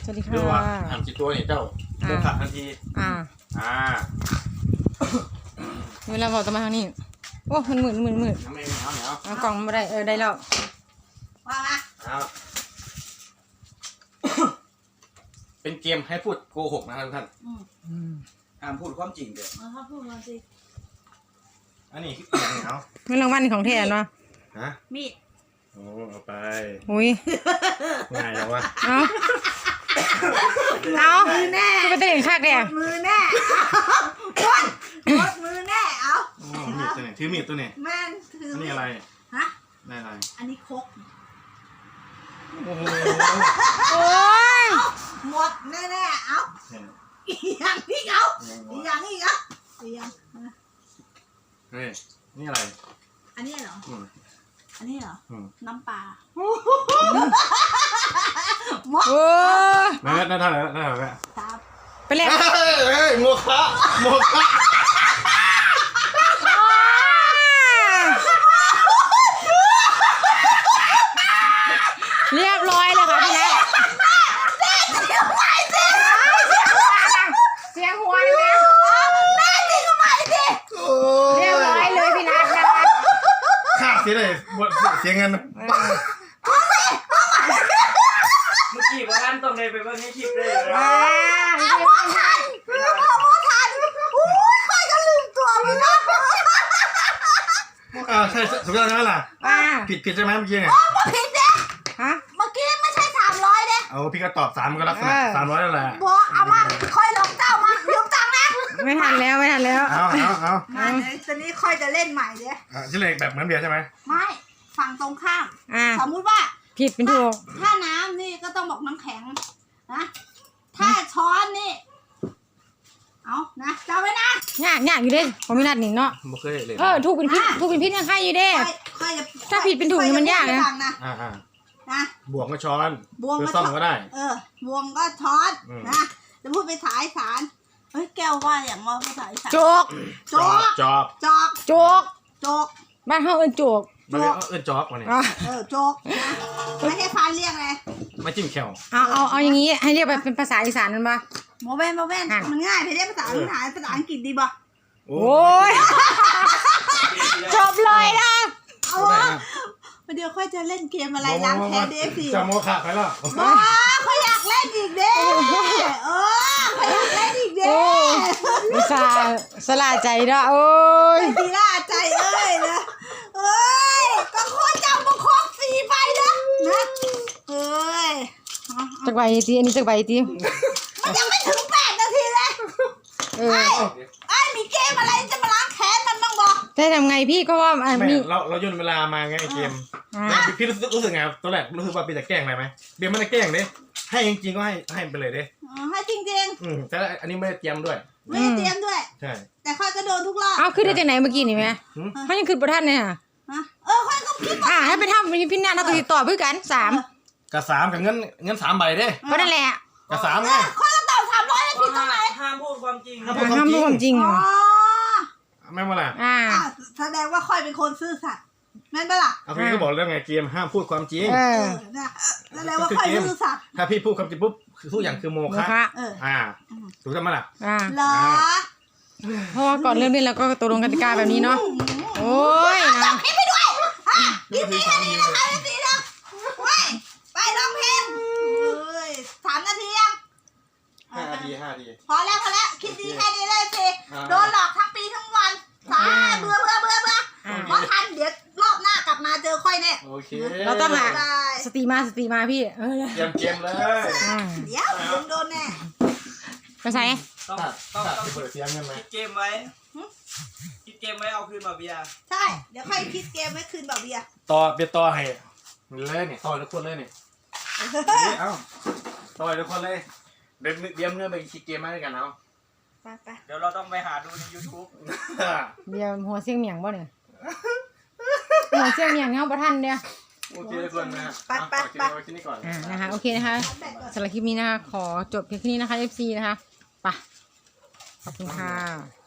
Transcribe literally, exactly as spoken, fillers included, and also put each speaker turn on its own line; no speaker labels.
สวัสดีค่ะ
ดูว่าทำกี่ตัวเนี่ยเจ้าโมฆะทันที
อ่า
อ่า
เวลาบอกต้องมาทางนี้โอ้มันหมื่นหมื่นหมื่น
น้ำเองเอาเหนียว
เอากล่องมาได้เออได้แล้ว
ว่ามา
เอาเป็นเกมให้พูดโกหกนะครับท่านห้ามพูดความจริงเด้อ
เอาเขาพูดมาสิ
อันนี้คืออย่างเหนียว
เงินรางวัลของแทนวะ
ฮะ
มีด
โอ้เอาไป
อุ้ย
ง่ายแล้ววะ
เอาเอาคือเป็นเด็กคักเนี่ย
มือแน่วัดวัดมือแน่เอา
โอ้มีดตัวไหนถือมีดตัวไหน
แม่นถือ
อันนี้อะไร
ฮะ
ได้อะไร
อันนี้คก
โอ้โห
โอ้ย
หมดแน่แน่ๆเอาอีกอย่างอีกเอาอีกอย่างอีกเอาอีกอย่าง
เฮ้ยนี่อะไร
อันนี้เหรอ
อืม
อันนี้เหรอ
อืม
น้ำปลา
โอ้ย
ได้ได้เท่าไหร่ได้เท่าไหร่
ตาม
ไปเล่น
เฮ้ยเฮ้ยโมฆะโมฆะ
เรียบร้อยเลยค่ะพี่นัทเสียงหัวเลยนะ
แม่จริงทำไมดิ
เรียบร้อยเลยพี่นัทนะคะ
ค่าเสียเลยเสียเงิน
เมื่อกี้ว่าท่านต้องเลยไปเบิ่งในคลิปเลย
ว้า
เอาโมทันเอาโมทันอุ้ยใครจะลืมตัวไปนะ
อ่าใช่ถูกต้องใช่ไหมล่ะ
ว้า
ผิดผิดใช่ไหมเมื่อกี้เนี่ย
มาผิดเด้
ฮะ
เมื่อกี้ไม่ใช่สามร้อยเด้
เอาพี่ก็ตอบสามก็ลักษณะสามร้อยนั่นแหละ
บอกเอามาค่อยลงเจ้ามาลืมตังค์นะ
ไม่ทันแล้วไม่ทันแล้ว
เอาเอาเอา
มาเดี๋ยวตอนนี้ค่อยจะเล่นใหม่เด้
อ่ะชื่อเลขแบบเหมือนเบียร์ใช่ไหม
ไม่ฝั่งตรงข้าม
อ่า
สมมุติว่า
ผิดเป็นถูก
ถ้าน้ำนี่ก็ต้องบอกน้ำแข็งนะถ้าช้อนนี่เอานะจำไว้นะ
ยากยากอยู่เด้ผมไม่นัดหนิงเนาะ
ไม่เคยเลย
เออถูกเป็นพิษถูกเป็นพิษยังใครอยู่เด้
ค่อยค่อยจะ
ถ้าผิดเป็นถูกนี่มันยากนะ
ค่อจพูดให้ฟังนะ
อ่าอ่า
นะ
บวกก็ช้อน
บวง
หรือ
ก็
ซ่อม
ช้อน
ก็ได้
เออบวงก็ช้อน
อืม
นะจะพูดไปสายสารเฮ้ยแก้วว่าอย่างว่าภาษาอีสาน
โจก
โจก
จอบ
จอก
โจก
โจก
บ้านเฮาเอิ้นโจก
มันเรียกเอิ้นจอบวะเนี่ย
อ่ะ
เออโจกนะไม่ให้ฟันเรียกเลย
ไม่จิ้มแขว
เอาเอาเอาอย่างนี้ให้เรียกแบบเป็นภาษาอีสานนั่นปะ
โมเวนโมเวน
อ่ะ
มันง่ายไปเรียกภาษาภาษาภาษาอังกฤษดีป่ะ
โอ้
โอ้ยจบเลยนะ
เอาวะเดี๋ยวค่อยจะเล่นเกมอะไรล้างแค้นเดฟสิ
จะโมฆะไปแล้ว
บ้าเขาอยากเล่นอีกเด้เออเขาอยากเล่นอีกเด้
โอ้อุตส่าห์สละใจเนาะโอ้ย
ทีล่าใจเอ้ยนะเอ้ยก็โคตรจำประคองสีไปนะนะเอ้ย
จักใบตีอันนี้จักใบตี
มันยังไม่ถึงแปดนาทีเลย
เออ
ไอ้มีเกมอะไรจะมาล้างแค้นมันบ้างบอก
ได้ทำไงพี่ก็ว่าอ่ะ
ไม่
มี
เราเราย่นเวลามาไงเกม
อ่า
แล้วพี่รู้สึกรู้สึกไงตอนแรกรู้สึกว่าพี่จะแกล้งอะไรไหมเบียร์ไม่ได้แกล้งเด้ให้จริงๆก็ให้ให้ไปเลยเด้
ให้จริง
อืมแต่อันนี้ไม่ได้เตรียมด้วย
ๆไม่ได้เตรียมด้วย
ใช่
แต่ค่อยก็โดนทุกรอบ
เอาขึ้นได้จากไหนเมื่อกี้นี่แม่
หืม
เขายังขึ้นประทันเนี่ยค่ะ
ฮะเออค่อยก็คิดว่า
อ่าให้ไปทำเป็นพี่นาเราติดต่อเพื่อกันสาม
กับสามกับเงินเงินสามใบเด้
ก็นั่นแหละ
กับสาม
เอ
ไง
อค่อยก็ตอบสามร้อยแล้วผิดตรงไหน
ห้ามพูดความจริง
ห้าม
อ่าห้ามพูดความจริง
อ๋
อ่ะ
อ
ไม่มาล่ะ
อ่า
อ่ะแสดงว่าค่อยเป็นคนซื่อสัตย์แม่นปะล่ะ
เอาพี่ก็บอกแล้วไงเกมห้ามพูดความจริง
เอ
เอ
อ
อนะแสดงว่าค่อยซื่อสัตย์
ถ้าพี่พูดความจริงปุ๊บคือทุกอย่างคือโม
โม
ฆะ
คะ
เออ
อ่าถูกต้องไหมล่ะ
อ่า
เหรอ
เพราะว่าก่อนเริ่มเล่นเราก็ตกลงกติกาแบบนี้เนาะโอ้ยนะ
คลิปไปด้วยอ่ะคลิปนี้แค่นี้นะคะคลิปนี้นะเว้ยไปร้องเพลงเฮ้ยสามนาทียัง
ห้านาทีห้านาที
พอแล้วพอแล้วคลิปนี้แค่นี้เลยสิ
อ่า
โดนหลอกทั้งปีทั้งวันสาเบื่อเบื่อเบื่อเบื่อ
อ่า
เพราะทันเดี๋ยวรอบหน้ากลับมาเจอค่อยแน่
โอเค
เราต้องหา
ได้
สติมาสติมาพี่เออ
เตรียมเกมเลย
อ่า
เดี๋ยวมึงโดนแน่
ไปใส่
ต้อง
ตัด
ต้อง
ตัด
ต้อง
ที่เปิดเสียงเงินไหม
คิดเกมไว้คิดเกมไว้เอาคืนมาเบียร์
ใช่เดี๋ยวค่อยคิดเกมไว้คืนแบบเบียร์
ต่อเบียร์ต่อให้เลยเนี่ยต่อทุกคนเลยเนี่ยเอ้าต่อทุกคนเลยเดี๋ยวเดี๋ยวเงินไปคิดเกมมาด้วยกันเอา
ไปไป
เดี๋ยวเราต้องไปหาดูใน YouTube
เดี๋ยวหัวเสียงเหมียงบ่เนี่ยหัวเสียงเหมียงเงาประทันเนี่ย
โอเคทุกคนนะ
ไปไปไป
เอาที่นี่ก่อน
อ่านะคะโอเคนะคะสำหรับคลิปนี้นะคะขอจบเพียงแค่นี้นะคะ เอฟ ซี นะคะไปขอบคุณค่ะ